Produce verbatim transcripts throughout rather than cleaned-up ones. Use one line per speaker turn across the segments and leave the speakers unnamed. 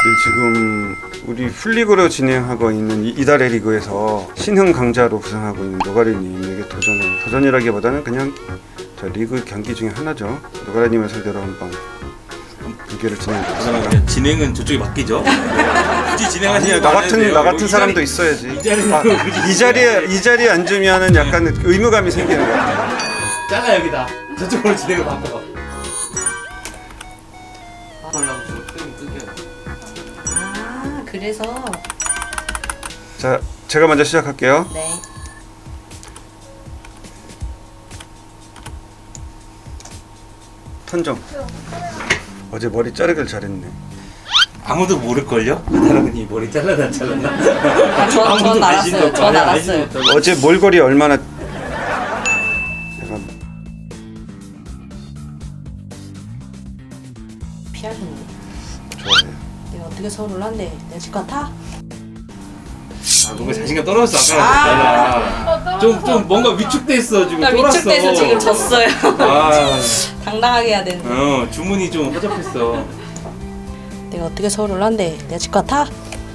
네, 지금 우리 풀리그로 진행하고 있는 이- 이달의 리그에서 신흥 강자로 부상하고 있는 노가리님에게 도전을 도전이라기보다는 그냥 저 리그 경기 중에 하나죠. 노가리님을 상대로 한번 경기를 진행해보겠습니다.
그러면 진행은 저쪽에 맡기죠. 굳이 진행하시는
아니요, 나 같은 나 같은 사람도 있어야지.
이 자리는
아,
굳이
이 자리에 이 자리에 앉으면은 약간 의무감이 생기는 것 같아요.
잘라 여기다. 저쪽으로 진행을 바꿔. 하려고 좀 끊겨.
아, 그래서
자, 제가 먼저 시작할게요.
네.
턴정. 어제 머리 자르길 잘했네.
아무도 모를걸요? 하다랑이 머리 잘라나 잘랐나?
아, 저,
아무도
전
관심도
알았어요.
없고
전
아니,
알았어요.
관심도 없다고.
어제 몰골이 얼마나 내가
피하셨네.
좋아해요.
내가 어떻게 서울을 한대? 내가 집 같아?
아 뭔가 자신감 떨어졌어 아까. 좀좀 뭔가 위축됐어 지금.
나
쫄았어.
위축돼서 지금 졌어요.
아,
당당하게 해야 되는데.
어 주문이 좀 허접했어.
내가 어떻게 서울을 한대? 내가 집 같아?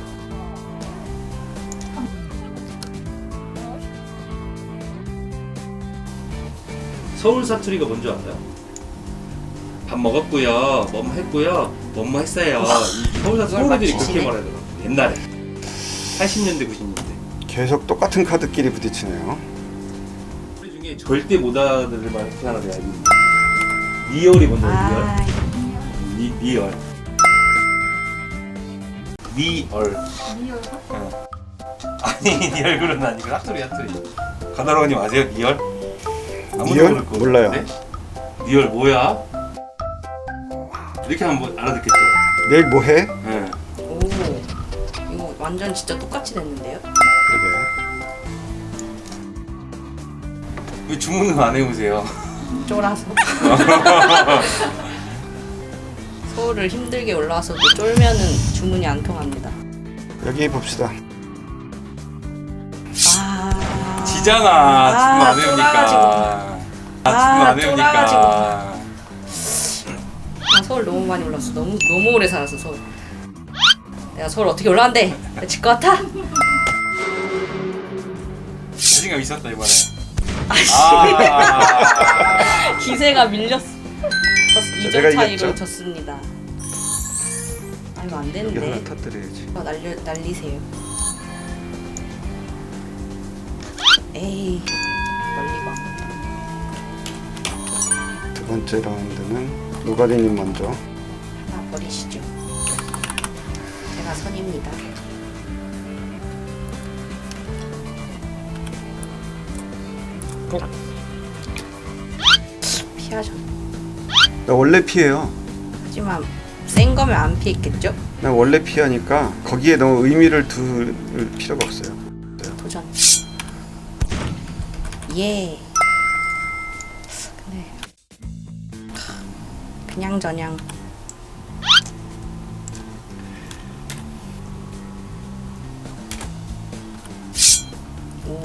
서울 사투리가 뭔지 알아요? 밥 먹었고요, 뭐뭐 했고요, 뭐뭐 했어요. 이 서울 사투리
그걸
서울애들이 그렇게
맞추시네.
말하더라고. 옛날에 팔십 년대 구십 년대.
계속 똑같은 카드끼리 부딪히네요.
우리 중에 절대 못 알아들을 말 그 하나 내가 알고 있는데. 리얼이 뭔지 알아요?
아,
리, 리얼. 리얼. 어. 아니 네 얼굴은 아니고 사투리 사투리. 가다로우님 아세요 리얼? 아무도
리얼?
모를 거
몰라요.
같은데? 리얼 뭐야? 이렇게 하면 뭐 알아듣겠죠?
내일 뭐 해?
예.
오. 이거 완전 진짜 똑같이 됐는데요?
그러게.
왜 주문은 안 해오세요?
쫄아서. 서울을 힘들게 올라와서도 쫄면은 주문이 안 통합니다.
여기 봅시다.
아.
지잖아.
아,
주문 안
쫄아가지고.
해오니까.
아,
주문 안
쫄아가지고.
해오니까.
아, 서울 너무 많이 올랐어. 너무 너무 오래 살았어 서울. 내가 서울 어떻게 올라왔는데? 내 집 같아?
자신감 있었다 이번에.
아씨.
아.
기세가 밀렸어. 이
제가
점 차이로
이겼죠?
졌습니다. 아 이거 안
이거 하나
되는데.
터뜨려야지.
아, 날려 날리세요. 에이 멀리 가.
두 번째 라운드는 노가리님 먼저.
하나 버리시죠. 제가 선입니다. 피하죠.
나 원래 피해요.
하지만 센 거면 안 피했겠죠?
나 원래 피하니까 거기에 너무 의미를 둘 필요가 없어요.
도전. 예. 근데 그냥 저냥. 오.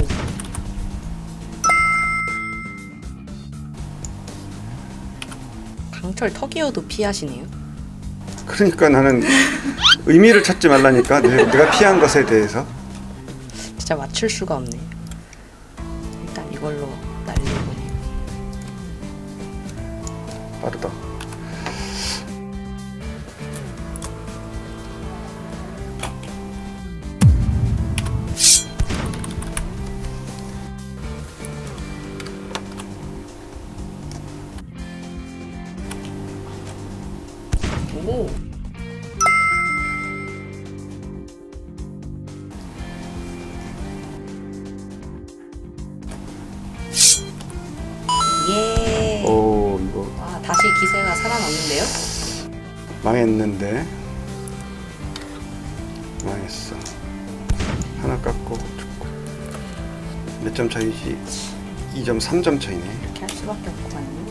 강철 턱이어도 피하시네요.
그러니까 나는 의미를 찾지 말라니까. 내- 내가 피한 것에 대해서.
진짜 맞출 수가 없네. 일단 이걸로 날리고.
빠르다.
오. 예.
오, 이거
아, 다시 기세가 살아났는데요?
망했는데. 망했어. 하나 깎고 죽고. 몇 점 차이지? 이 점, 삼 점 차이네.
이렇게 할 수밖에 없구만요.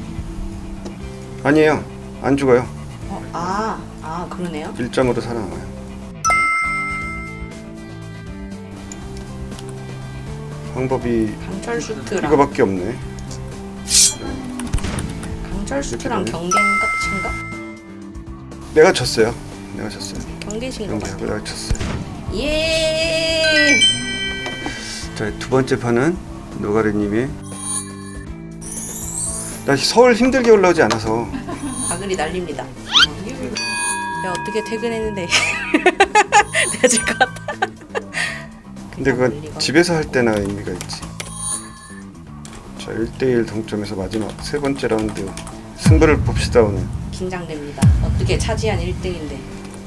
아니에요. 안 죽어요.
어, 아, 아 그러네요.
일 점으로 살아남아요. 방법이
강철 슈트랑
이거밖에 없네.
강철 슈트랑
이렇게 되네.
경계인가? 친가?
내가 졌어요. 내가 졌어요.
경계신 것
경기하고
같아요.
날쳤어요.
예.
자, 두 번째 판은 노가리님이. 나 서울 힘들게 올라오지 않아서.
바글이 날립니다. 야 어떻게 퇴근했는데 내가 질 것 같아.
근데 그건
멀리가.
집에서 할 때나 의미가 있지. 자, 일 대일 동점에서 마지막 세 번째 라운드 승부를 봅시다. 오늘
긴장됩니다. 어떻게 차지한 일 등인데.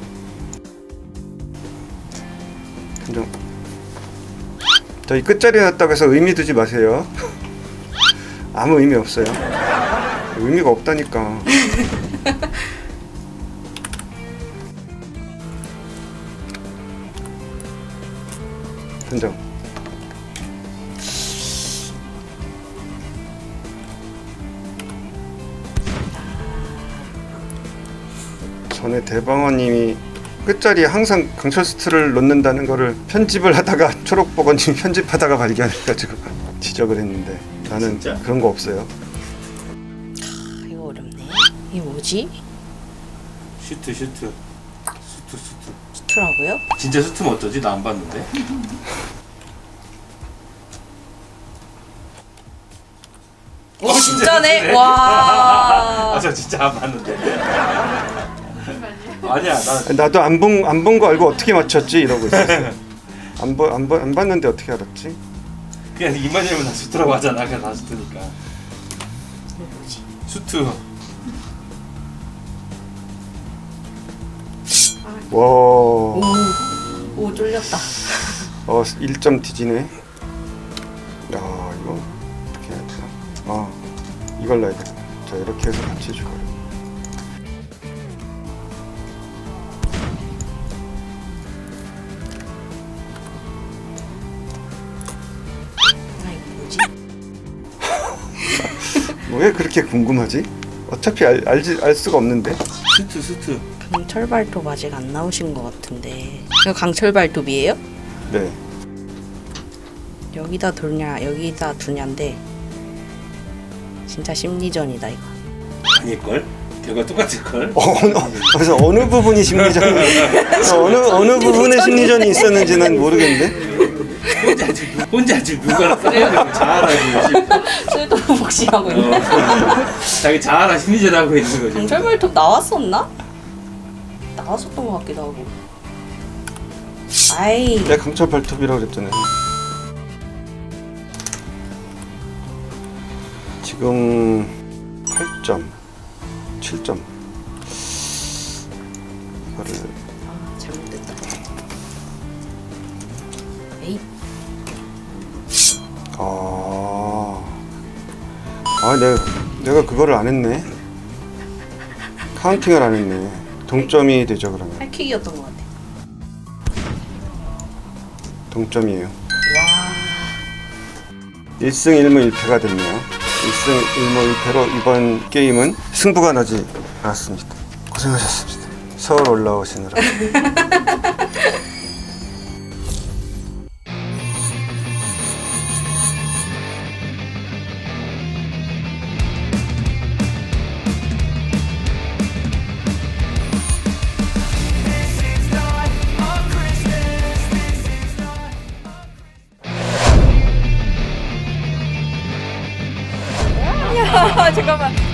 감정. 자, 이 끝자리 놨다고 해서 의미 두지 마세요. 아무 의미 없어요. 의미가 없다니까. 선정. 전에 대방어님이 끝자리에 항상 강철 스트를 놓는다는 거를 편집을 하다가 초록버거님이 편집하다가 발견해가지고 지적을 했는데 나는
진짜?
그런 거 없어요.
아, 이거 어렵네. 이게 뭐지?
슈트 슈트 슈트 슈트.
스트라고요?
진짜 슈트면 어쩌지? 나 안 봤는데.
오 진짜네. 와.
아 저 진짜 안 봤는데. 아니야 나
나도 안 본 안 본 거 알고 어떻게 맞췄지 이러고 있었어. 안보안 안 봤는데 어떻게 알았지?
그냥 이만이면 나 슈트라고 하잖아. 그냥 다 슈트니까.
이거 뭐지?
슈트.
와,
오. 오 쫄렸다.
어 일 점 뒤지네. 야 이거 어떻게 해야 되나? 아 이걸 놔야 되겠다. 자 이렇게 해서 같이 주고.
아 이거 뭐지?
왜 그렇게 궁금하지? 어차피 알, 알지 알 수가 없는데.
슈트 슈트.
강철 발톱 아직 안 나오신 것 같은데. 이거 강철 발톱이에요?
네.
여기다 두냐 여기다 두냐인데 진짜 심리전이다 이거.
아닐걸? 결과 똑같을걸?
어, 어느 그래서 어느 부분이 심리전이 어느 어느 부분에 심리전이 있었는지 난 모르겠는데.
혼자 지금 혼자 지금 누가랑 싸우고 자아라고 지금.
쓸데없는 복싱하고 있네.
어. 자기 자아라 심리전 하고 있는 거지.
강철 발톱 나왔었나? 나왔었던 것 같기도 하고. 아이
내가 강철 발톱이라고 그랬잖아요. 지금 팔 점, 칠 점. 이거를
아, 잘못됐다. 에이
아, 아 내가 내가 그거를 안 했네. 카운팅을 안 했네. 동점이 되죠 그러면.
할킥이었던 것 같아.
동점이에요.
와
일 승 일 무 일 패가 됐네요. 일 승 일 무 일 패로 이번 게임은 승부가 나지 않았습니다. 고생하셨습니다. 서울 올라오시느라.
잠깐만.